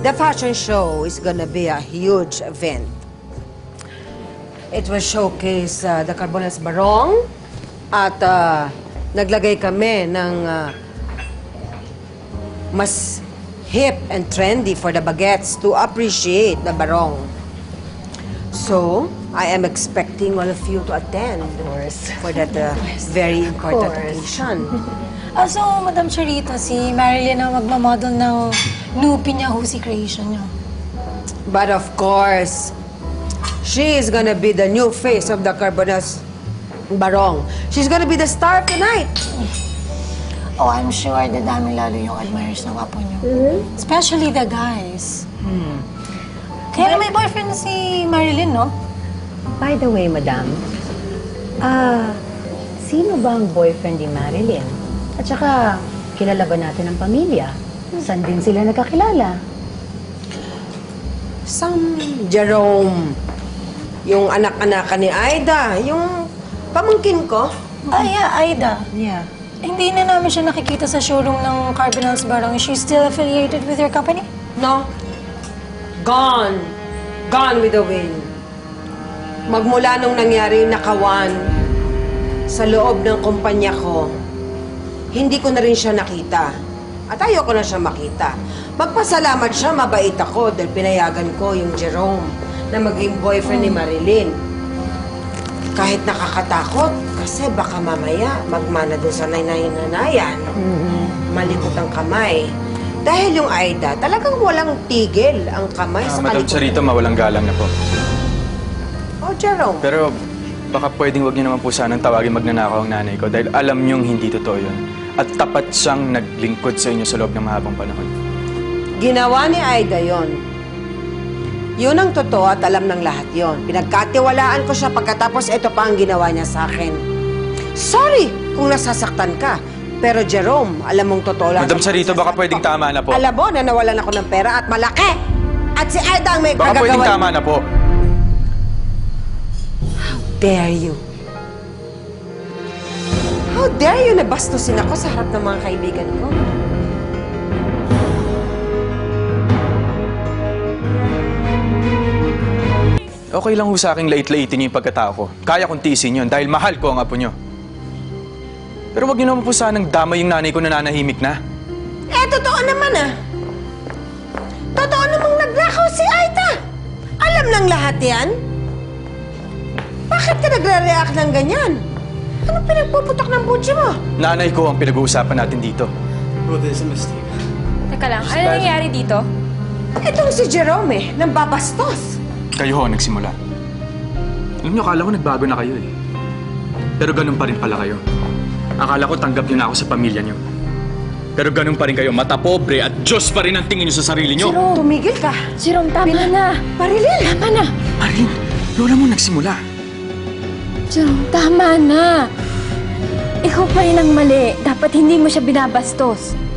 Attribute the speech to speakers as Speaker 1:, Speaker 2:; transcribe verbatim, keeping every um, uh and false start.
Speaker 1: The fashion show is gonna be a huge event. It will showcase uh, the Carbonas Barong at uh, naglagay kami ng uh, mas hip and trendy for the baguettes to appreciate the Barong. So, I am expecting all of you to attend for that uh, very important occasion.
Speaker 2: Ah, so, Madam Charita, si Marilyn ang magmamodel ng Nupi niya, Husi Creation niya.
Speaker 1: But of course, she is gonna be the new face of the Carbonas Barong. She's gonna be the star tonight.
Speaker 2: Oh, I'm sure dadami lalo yung admirers ng apo niyo. Mm-hmm. Especially the guys. Hmm. Kaya na may boyfriend na si Marilyn, no?
Speaker 3: By the way, madam, ah, sino ba ang boyfriend ni Marilyn? At saka, kilala ba natin ang pamilya? Saan din sila nagkakilala?
Speaker 1: Some Jerome, yung anak-anak ni Aida, yung pamangkin ko.
Speaker 2: Ah, yeah, Aida.
Speaker 3: Yeah.
Speaker 2: Hindi na namin siya nakikita sa showroom ng Cardinals Barong. Is she still affiliated with your company?
Speaker 1: No. Gone. Gone with the wind. Magmula nung nangyari yung nakawan sa loob ng kumpanya ko, hindi ko na rin siya nakita. At ayoko na siya makita. Magpasalamat siya, mabait ako dahil pinayagan ko yung Jerome na maging boyfriend ni Marilyn. Kahit nakakatakot, kasi baka mamaya magmana doon sa nanay-nanayan. Mm-hmm. Malikot ang kamay. Dahil yung Aida, talagang walang tigil ang kamay
Speaker 4: Ah,
Speaker 1: sa
Speaker 4: Madam
Speaker 1: kalikutan.
Speaker 4: Charita, mawalang galang na po.
Speaker 1: Oh, Jerome.
Speaker 4: Pero baka pwedeng wag niyo naman po sanang tawagin magnanakaw ang nanay ko dahil alam niyong hindi totoo yun. At tapat siyang naglingkod sa inyo sa loob ng mahabang panahon.
Speaker 1: Ginawa ni Aida yon. Yun ang totoo at alam ng lahat yon. Pinagkatiwalaan ko siya pagkatapos ito pa ang ginawa niya sa akin. Sorry kung nasasaktan ka. Pero Jerome, alam mong totoo lang.
Speaker 4: Madam Charita, baka pwedeng tama na po.
Speaker 1: Alam mo na nawalan ako ng pera at malaki. At si Aida ang may
Speaker 4: Baka
Speaker 1: kagagawan.
Speaker 4: pwedeng tama na po.
Speaker 1: How dare you? How dare you na bastusin ako sa harap ng mga kaibigan ko?
Speaker 4: Okay lang ho sa aking lait-laitin niyo yung pagkatao ko. Kaya kong tiisin yun dahil mahal ko ang apo niyo. Pero wag niyo naman po sanang damay yung nanay ko na nanahimik na.
Speaker 1: Eh, totoo naman ah. Totoo namang naglakaw si Aida. Alam ng lahat yan. Bakit ka nagre-react ng ganyan? Ano pinagpuputok ng butsi mo?
Speaker 4: Nanay ko ang pinag-uusapan natin dito.
Speaker 5: Bro, there's a mistake.
Speaker 6: Teka lang, ano nangyayari dito?
Speaker 1: Itong si Jerome eh, nang babastos.
Speaker 4: Kayo ho, nagsimula. Alam niyo, akala ko nagbago na kayo eh. Pero ganun pa rin pala kayo. Akala ko tanggap niyo na ako sa pamilya niyo. Pero ganun pa rin kayo, mata pobre at Diyos pa rin ang tingin niyo sa sarili niyo.
Speaker 1: Jerome, tumigil ka.
Speaker 6: Jerome, tama na.
Speaker 1: Marilyn!
Speaker 6: Tama na.
Speaker 4: Marin, lola mo nagsimula.
Speaker 6: Jerome, tama na. Ikaw pa rin ang mali. Dapat hindi mo siya binabastos.